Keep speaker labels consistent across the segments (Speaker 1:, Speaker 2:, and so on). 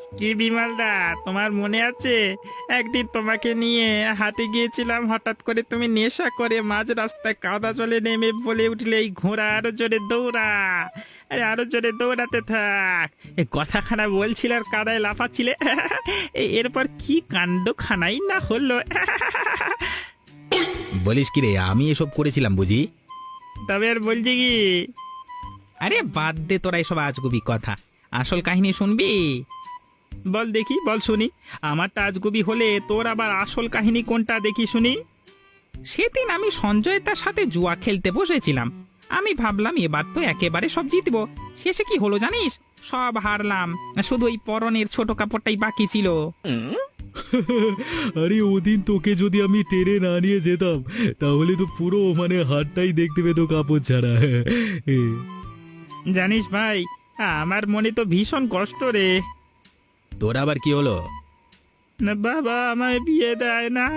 Speaker 1: কি বিমলদা, তোমার মনে আছে একদিন তোমাকে নিয়ে হাটে গিয়েছিলাম, হঠাৎ করে তুমি নেশা করে মাঝ রাস্তায় কাদা জলে নেমে বলে উঠলে, এই ঘোড়া আরো জোরে দৌড়া, আরে আরো জোরে দৌড়াতে থাক। এ কথাখানা বলছিল আর কাদায় লাফাচ্ছিলে। এরপর কি কাণ্ড খানাই না হলো।
Speaker 2: বলিস কি রে, আমি এসব করেছিলাম বুঝি?
Speaker 1: তবে আর বলছি কি,
Speaker 2: আরে বাদ দে তোরা এসব আজগুবি কথা, আসল কাহিনী শুনবি?
Speaker 1: বল দেখি, বল শুনি। আমারটা আজগুবি হলে তোর আবার আসল কাহিনী কোনটা দেখি শুনি।
Speaker 2: সেদিন আমি সঞ্জয় তার সাথে জুয়া খেলতে বসেছিলাম। আমি ভাবলাম এবার তো একেবারে সব জিতবো। শেষে কি হলো জানিস? সব হারলাম, শুধু ওই পরনের ছোট কাপড়টাই বাকি ছিল।
Speaker 3: আরে ওদিন তোকে যদি আমি টেনে না নিয়ে যেতাম তাহলে তো পুরো হাতটাই দেখতে পেতো কাপড় ছাড়া।
Speaker 1: জানিস ভাই, আমার মনে তো ভীষণ কষ্ট রে।
Speaker 2: তোর আবার কি হলো?
Speaker 1: না বাবা আমায় বিয়ে দেয় না।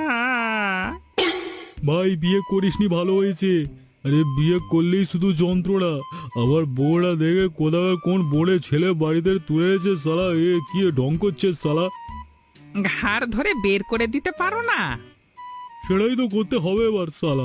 Speaker 3: ভাই বিয়ে করিসনি ভালো হয়েছে। আরে বিয়ে করলেই শুধু যন্ত্রণা। আবার বউরা দেখে কোথাও কোন বোড়ে ছেলে বাড়িতে তুলে এসে সালা কি ঢং করছে সালা।
Speaker 2: ঘাড় ধরে বের করে দিতে পারো না?
Speaker 3: সেটাই তো করতে হবে এবার সালা।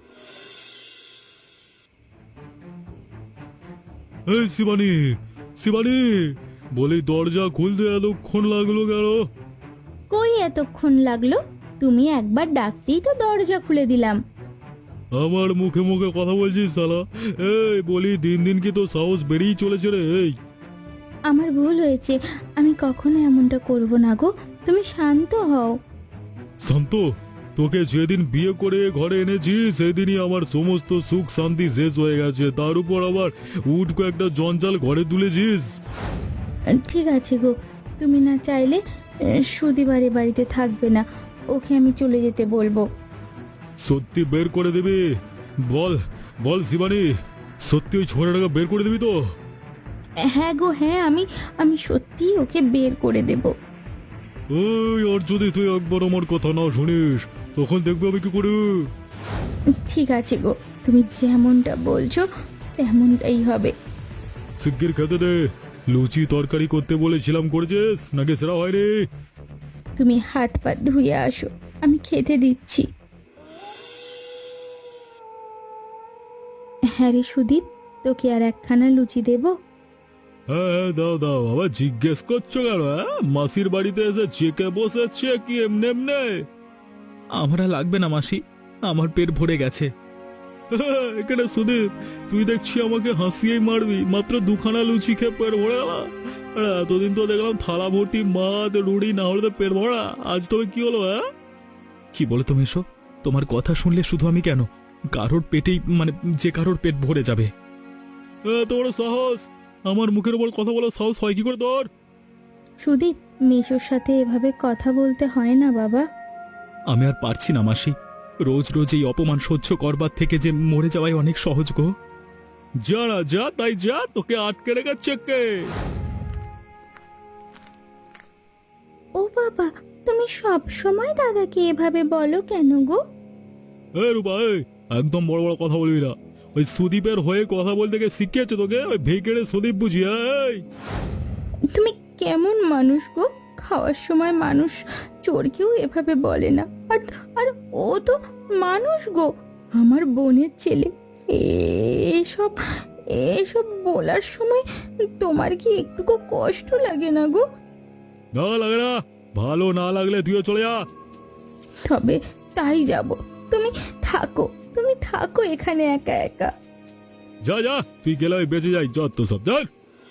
Speaker 3: এই শিবানী, শিবানী, বলি দরজা খুলতে এতক্ষণ লাগলো কেন?
Speaker 4: কই এতক্ষণ লাগলো? তুমি একবার ডাকতেই তো দরজা খুলে দিলাম।
Speaker 3: আমার মুখে মুখে কথা বলছিস সালা। এই বলি দিন দিন কি তো সাহস বেড়েই চলেছে রে। এই
Speaker 4: আমার ভুল হয়েছে, আমি কখনো এমনটা করব না গো, তুমি শান্ত হও।
Speaker 3: শান্ত, তোকে যেদিন বিয়ে করে ঘরে এনেছি সেদিনই আমার সমস্ত সুখ শান্তি শেষ হয়ে গেছে, তার উপর আবার উঠকো একটা জঞ্জাল ঘরে তুলেছিস।
Speaker 4: ঠিক আছে গো, তুমি না চাইলে সুদিবারে বাড়িতে থাকবে না, ওকে আমি চলে যেতে বলবো।
Speaker 3: সত্যি বের করে দিবি? বল বল শিবানী, সত্যি ওই ছোড়াটাকে বের করে দিবি তো?
Speaker 4: হ্যাঁ গো হ্যাঁ, আমি আমি সত্যি ওকে বের করে দেব।
Speaker 3: ওই আর যদি তুই একবার আমার কথা না শুনিস তখন দেখবি আমি কি করি।
Speaker 4: ঠিক আছে গো, তুমি যেমনটা বলছো তেমনটাই হবে।
Speaker 3: শিগগির খেতে দে। লুচি তরকারি করতে বলেছিলাম, করেছিস নাকি সেরা হয়নি?
Speaker 4: তুমি হাত পা ধুয়ে আসো, আমি খেতে দিচ্ছি। হ্যাঁ রে সুদীপ, তোকে আর একখানা লুচি দেব?
Speaker 3: হ্যাঁ হ্যাঁ দাও দাও। আবার জিজ্ঞেস করছো কেন? মাসির বাড়িতে এসে চেকে বসেছে কি এমনি এমনি?
Speaker 2: আমার আর লাগবে না মাসি, আমার পেট ভরে গেছে।
Speaker 3: এখানে সুদীপ, তুই দেখছি আমাকে হাসিয়েই মারবি। মাত্র দুখানা লুচি খেয়ে পেট ভরে গেল। এতদিন তো দেখলাম থালা ভর্তি মাছ রুড়ি, না হলে তো পেট ভরা। আজ তবে কি হলো?
Speaker 2: কি বলো তুমি এসো? তোমার কথা শুনলে শুধু আমি কেন, কারোর পেটেই যে কারোর পেট ভরে যাবে।
Speaker 3: তোর সাহস! আমার মুখের উপর কথা বলার সাহস হয় কি করে তোর?
Speaker 4: সুদীপ, মেশোর সাথে এভাবে কথা বলতে হয় না বাবা।
Speaker 2: আমি আর পারছি না মাসি, রোজ রোজ এই অপমান সহ্য করবার থেকে যে মরে যাওয়াই অনেক সহজ গো।
Speaker 3: যা না যা, তাই যা, তোকে আটকে রেখেছে কে?
Speaker 4: ও বাবা, তুমি সব সময় দাদাকে এভাবে বলো কেন গো?
Speaker 3: রূপা, একদম বড় বড় কথা বলবি না। ওই সুদীপের হয়ে কথা বলতে গিয়ে শিখিয়েছে তোকে ওই ভেকেড়ে সুদীপ বুঝি?
Speaker 4: তুমি কেমন মানুষ গো? খাওয়ার সময় মানুষ চোরকেও এভাবে বলে না। আর আর ও তো মানুষ গো, আমার বোনের ছেলে। এসব এসব বলার সময় তোমার কি একটুকু কষ্ট লাগে না গো?
Speaker 3: না লাগে না, ভালো না লাগলে তুইও চলে যা।
Speaker 4: তবে তাই যাব। তুমি থাকো, তুমি থাকো এখানে একা একা।
Speaker 3: যা যা, তুই গেলে আমি বেঁচে যাই, যত সব যা।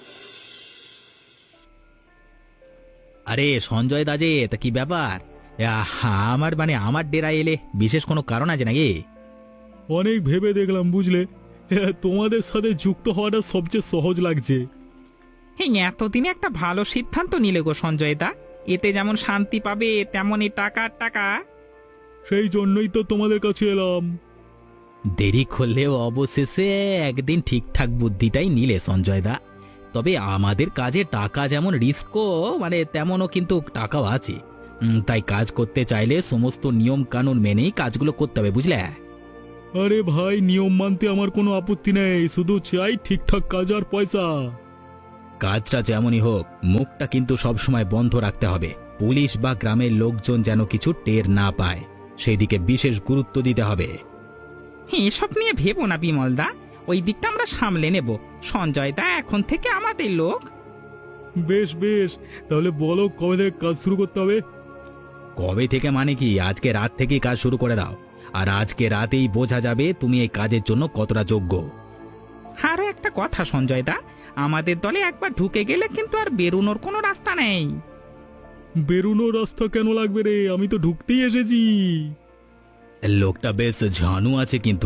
Speaker 2: আরে সঞ্জয় দা যে, তা কি ব্যাপার? আমার আমার ডেরা এলে বিশেষ কোনো কারণ আছে নাকি?
Speaker 3: অনেক ভেবে দেখলাম বুঝলে, তোমাদের সাথে যুক্ত হওয়াটা সবচেয়ে সহজ লাগছে।
Speaker 2: হ্যাঁ, এতদিনে একটা ভালো সিদ্ধান্ত নিলে গো সঞ্জয় দা। এতে যেমন শান্তি পাবে তেমনই টাকা টাকা।
Speaker 3: সেই জন্যই তো তোমাদের কাছে এলাম।
Speaker 2: দেরি করলেও অবশেষে একদিন ঠিকঠাক বুদ্ধিটাই নিলে সঞ্জয় দা। তবে আমাদের কাজে টাকা যেমন রিস্কও তেমনও কিন্তু টাকাও আছে। তাই কাজ করতে চাইলে সমস্ত নিয়ম কানুন মেনেই কাজগুলো করতে হবে, বুঝলে?
Speaker 3: আরে ভাই, নিয়ম মানতে আমার কোনো আপত্তি নেই, শুধু চাই ঠিকঠাক কাজ আর পয়সা।
Speaker 2: কাজটা যেমনই হোক মুখটা কিন্তু সবসময় বন্ধ রাখতে হবে। পুলিশ বা গ্রামের লোকজন যেন কিছু টের না পায়, সেদিকে বিশেষ গুরুত্ব দিতে হবে।
Speaker 1: এসব নিয়ে ভেবো না বিমলদা, ওই দিকটা আমরা সামলে নেব। সঞ্জয় দা এখন থেকে আমাদের লোক।
Speaker 3: বেশ বেশ, তাহলে বলো কবে থেকে কাজ শুরু করতে হবে?
Speaker 2: কবে থেকে মানে কি, আজকে রাত থেকেই কাজ শুরু করে দাও। আর আজকে রাতেই বোঝা যাবে তুমি এই কাজের জন্য কতটা যোগ্য।
Speaker 1: আরো একটা কথা সঞ্জয় দা, আমাদের দলে একবার ঢুকে গেলে কিন্তু আর বেরোনোর কোনো রাস্তা নেই।
Speaker 3: বেরোনোর রাস্তা কেন লাগবে রে? আমি তো ঢুকতেই এসেছি।
Speaker 2: লোকটা বেশ ঝানু আছে কিন্তু।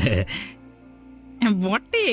Speaker 1: বটে।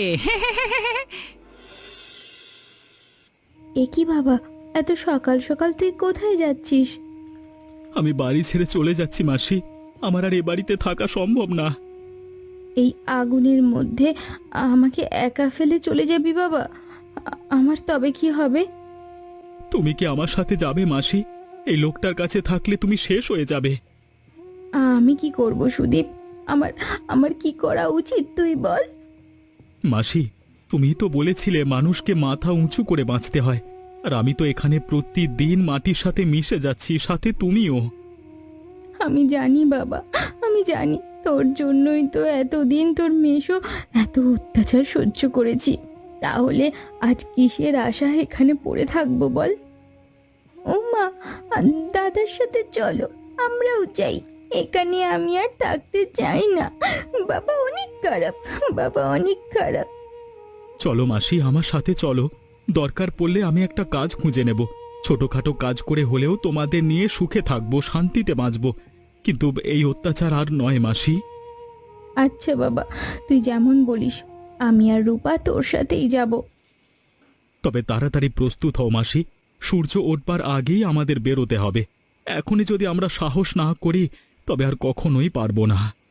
Speaker 4: এ কি বাবা, এত সকাল সকাল তুই কোথায় যাচ্ছিস?
Speaker 3: আমি বাড়ি ছেড়ে চলে যাচ্ছি মাসি। আমার আর এ বাড়িতে থাকা সম্ভব না।
Speaker 4: এই আগুনের মধ্যে আমাকে একা ফেলে চলে যাবি বাবা? আমার তবে কি হবে?
Speaker 3: তুমি কি আমার সাথে যাবে মাসি? এই লোকটার কাছে থাকলে তুমি শেষ হয়ে যাবে।
Speaker 4: আমি কি করব সুদীপ? আমার আমার কি করা উচিত তুই বল।
Speaker 3: মাসি, তুমি তো বলেছিলে মানুষকে মাথা উঁচু করে বাঁচতে হয়, আর আমি তো এখানে প্রতিদিন মাটির সাথে মিশে যাচ্ছি, সাথে তুমিও।
Speaker 4: আমি জানি বাবা, আমি জানি তোর জন্যই তো এতদিন তোর মেশো এত অত্যাচার সহ্য করেছি। তাহলে আজ কিসের আশা এখানে পড়ে থাকবো বল? ও মা, দাদার সাথে চলো, আমরাও যাই। এখানে আমি আর থাকতে চাই না। বাবা অনেক খারাপ, বাবা অনেক খারাপ।
Speaker 3: চলো মাসি, আমার সাথে চলো। দরকার পড়লে আমি একটা কাজ খুঁজে নেব। ছোটখাটো কাজ করে হলেও তোমাদের নিয়ে সুখে থাকবো, শান্তিতে বাঁচবো। কিন্তু এই অত্যাচার আর নয় মাসি।
Speaker 4: আচ্ছা বাবা, তুই যেমন বলিস, আমি আর রূপা তোর সাথেই যাব।
Speaker 3: তবে তাড়াতাড়ি প্রস্তুত হও মাসি। সূর্য ওঠবার আগেই আমাদের বেরোতে হবে। এখনই যদি আমরা সাহস না করি তবে আর কখনোই পারবো না।